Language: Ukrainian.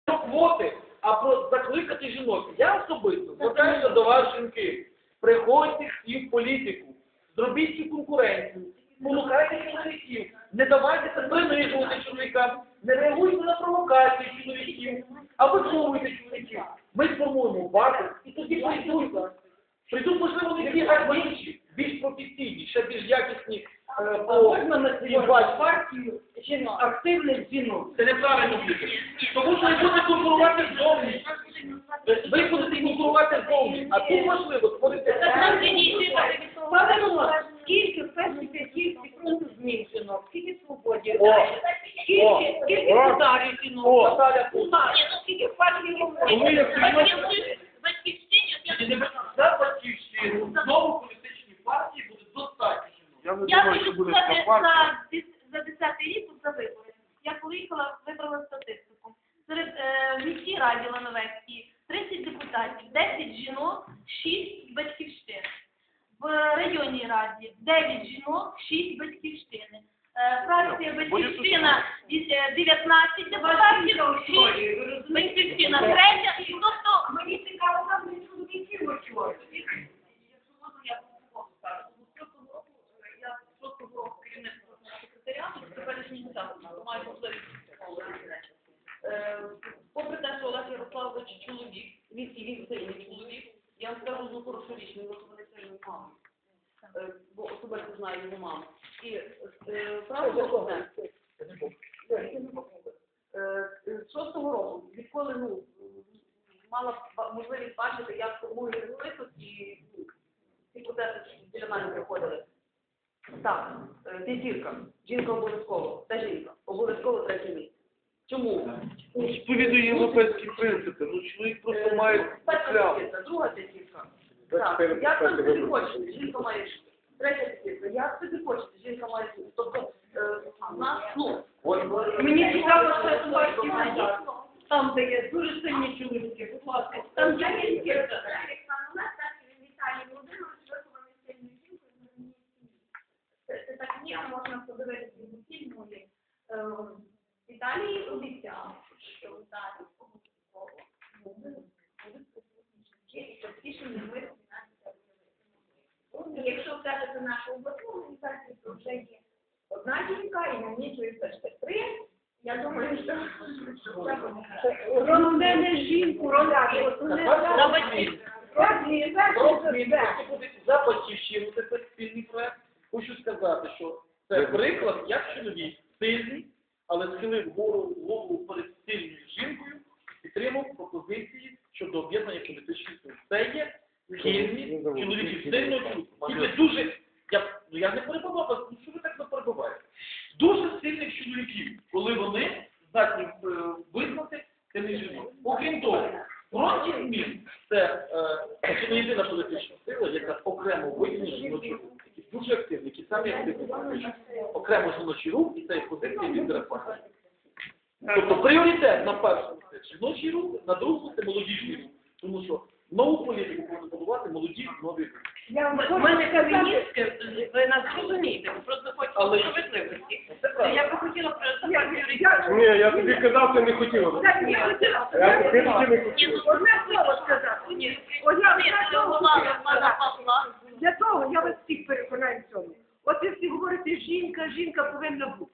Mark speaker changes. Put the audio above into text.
Speaker 1: квоти, а про закликати жінок. Я особисто звертаюся до вас, жінки. Приходьте всі в політику, зробіть цю конкуренцію, полукайте чоловіків, не давайте принижувати чоловікам, не реагуйте на провокації чоловіків, а виховуйте чоловіків. Ми сформуємо базу і тоді прийдуть, можливо, не ті інші, більш професійні, ще більш якісні
Speaker 2: Можна назвати партію активних жінок.
Speaker 1: Це неправильно буде. Тому що ви будете конкурувати ззовні. Ви будете конкурувати ззовні. А тут можливо створити...
Speaker 2: Скільки в першій п'ятірці фронту змін жінок, скільки свободі, скільки ударів жінок, скільки в партії
Speaker 1: За батьківщину, знову політичні партії будуть достатньо жінок.
Speaker 3: Я хочу сказати, за 10-й рік за вибори. Я поїхала, вибрала статистику. Серед міській раді Лановецькій 30 депутатів, 10 жінок, 6 батьківщин. В районній раді 9 жінок, 6 батьківщини. Фракція батьківщина 19 депутатів, 6 батьківщина 3. Тобто
Speaker 2: Мені цікаво, там не чоловіків очолюють.
Speaker 4: Попри те, що Олег Ярославович чоловік, він сильний чоловік, я вам скажу одну хорошу річ, він вихований сильною мамою, бо особисто знаю його маму. І правда одне, з 6-го року, відколи мала можливість бачити, як формує список і ці процеси біля мене приходили. Так, п'ятірка, жінка обов'язково, та жінка, обов'язково третє місце. Чому?
Speaker 1: Сповідує європейські принципи. Ну, чоловік просто має
Speaker 4: Перша друга п'ятірка. Так, як там собі хочете, жінка має третя п'ятірка. Як собі хочете, жінка має. Тобто, в нас,
Speaker 2: Мені цікаво, що це партія, там, де є дуже сильні чоловіки, будь ласка, там є п'ятірка.
Speaker 5: Це так ні, а можна подивитися в фільму. В Італії обіцяли, що в Італії обов'язково будуть і частіше не ми. І якщо взяти нашу обласну організацію, то вже є одна жінка і намічується ще 3. Я думаю, що
Speaker 2: Ронде жінку,
Speaker 1: за батьківщину, це спільний проект. Хочу сказати, що це приклад, як чоловік сильний, але схилив голову перед сильною жінкою і підтримав пропозиції щодо об'єднання політичних сил. Це є схильні чоловіків сильного чоловіка. Тільки дуже, я не перебував вас, ну що ви так не перебуваєте? Дуже сильних чоловіків, коли вони здатні визнати сильних жінок. Окрім того, фронт змін це не єдина політична сила, яка окремо виділена жіночий рух, які дуже активні, які самі активні. Окремо жіночий рух і це є позиція від реформи. Тобто пріоритет на першому це жіночий рух, на другому це молодіжний рух. Тому що нову політику повинні будувати молоді нові рухи.
Speaker 2: У мене феміністки, ви нас розумієте, ви просто хочете справедливості. Я би хотіла про
Speaker 6: Ні, я тобі казав, ти не хотіла. Я тобі не хотіла.
Speaker 2: одне слово сказати. Для того я вас всіх переконаю в цьому. От ви всі говорите, жінка повинна бути.